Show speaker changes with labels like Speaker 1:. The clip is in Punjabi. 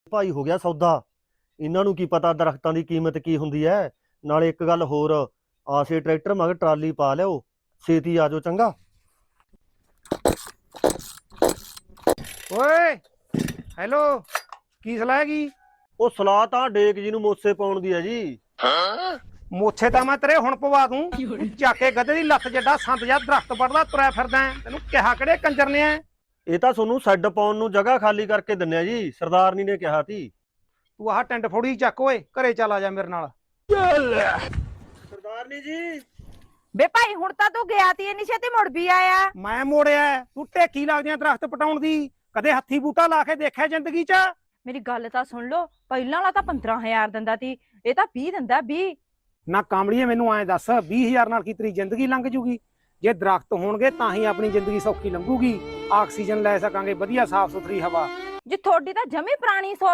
Speaker 1: ਭਾਈ ਹੋ ਗਿਆ ਸੌਦਾ। ਇਹਨਾਂ ਨੂੰ ਕੀ ਪਤਾ ਦਰਖਤਾਂ ਦੀ ਕੀਮਤ ਕੀ ਹੁੰਦੀ ਐ। ਨਾਲੇ ਇੱਕ ਗੱਲ ਹੋਰ, ਆਸੇ ਟਰੈਕਟਰ ਮਗਰ ਟਰਾਲੀ ਪਾ ਲਿਓ, ਛੇਤੀ ਆ ਜਾਓ ਚੰਗਾ।
Speaker 2: ਓਏ ਹੈਲੋ, ਕੀ ਸਲਾਹ ਹੈਗੀ?
Speaker 1: ਉਹ ਸਲਾਹ ਤਾਂ ਡੇਕ ਜੀ ਨੂੰ ਮੋਸੇ ਪਾਉਣ ਦੀ ਹੈ ਜੀ।
Speaker 2: ਮੋਛੇ ਤਾਂ ਮੈਂ ਤੇਰੇ ਹੁਣ ਪਵਾ ਦੂੰ। ਚੱਕ ਕੇ ਗੱਧੇ ਦੀ ਲੱਤ ਜੱਡਾ ਸੰਤ ਜਾਂ ਦਰਖਤ ਪੜਦਾ ਤੁਰਿਆ ਫਿਰਦਾ ਹੈ। ਤੈਨੂੰ ਕਿਹਾ ਕਿਹੜੇ ਕੰਜਰ ਨੇ ਐ?
Speaker 1: ਇਹ ਤਾਂ ਤੁਹਾਨੂੰ ਸੈੱਡ ਪਾਉਣ ਨੂੰ ਜਗ੍ਹਾ ਖਾਲੀ ਕਰਕੇ ਦਿੰਨੇ ਆ ਜੀ, ਸਰਦਾਰਨੀ ਨੇ ਕਿਹਾ ਸੀ।
Speaker 2: ਤੂੰ ਆਹ ਟਿੰਡ ਫੋੜੀ ਚੱਕ ਓਏ, ਘਰੇ ਚੱਲ ਆ ਜਾ ਮੇਰੇ ਨਾਲ।
Speaker 1: ਸਰਦਾਰਨੀ ਜੀ।
Speaker 3: ਬੇ ਭਾਈ ਹੁਣ ਤਾਂ ਤੂੰ ਗਿਆ ਤੀ ਇੰਨੀ ਛੇਤੀ ਮੁੜ ਵੀ ਆਇਆ।
Speaker 2: ਮੈਂ ਮੋੜਿਆ, ਤੂੰ ਢੇਕੀ ਲੱਗਦੀਆਂ ਦਰਖਤ ਪਟਾਉਣ ਦੀ। ਕਦੇ ਹੱਥੀ ਬੂਟਾ ਲਾ ਕੇ ਦੇਖਿਆ ਜ਼ਿੰਦਗੀ 'ਚ?
Speaker 3: ਮੇਰੀ ਗੱਲ ਤਾਂ ਸੁਣ ਲੋ, ਪਹਿਲਾਂ ਵਾਲਾ ਤਾਂ 15,000 ਦਿੰਦਾ ਤੀ, ਇਹ ਤਾਂ 20 ਦਿੰਦਾ 20।
Speaker 2: ਨਾ ਕਾਮੜੀਏ, ਮੈਨੂੰ ਐਂ ਦੱਸ 20,000 ਨਾਲ ਕੀ ਤੇਰੀ ਜ਼ਿੰਦਗੀ ਲੰਘ ਜੂਗੀ? ਜੇ ਦਰਖਤ ਹੋਣਗੇ ਤਾਂ ਹੀ ਆਪਣੀ ਜ਼ਿੰਦਗੀ ਸੌਖੀ ਲੰਘੂਗੀ। ਆਕਸੀਜਨ ਲੈ ਸਕਾਂਗੇ, ਵਧੀਆ ਸਾਫ਼ ਸੁਥਰੀ ਹਵਾ।
Speaker 3: ਜੀ ਤੁਹਾਡੀ ਤਾਂ ਜਮੀ ਪੁਰਾਣੀ ਸੋਚ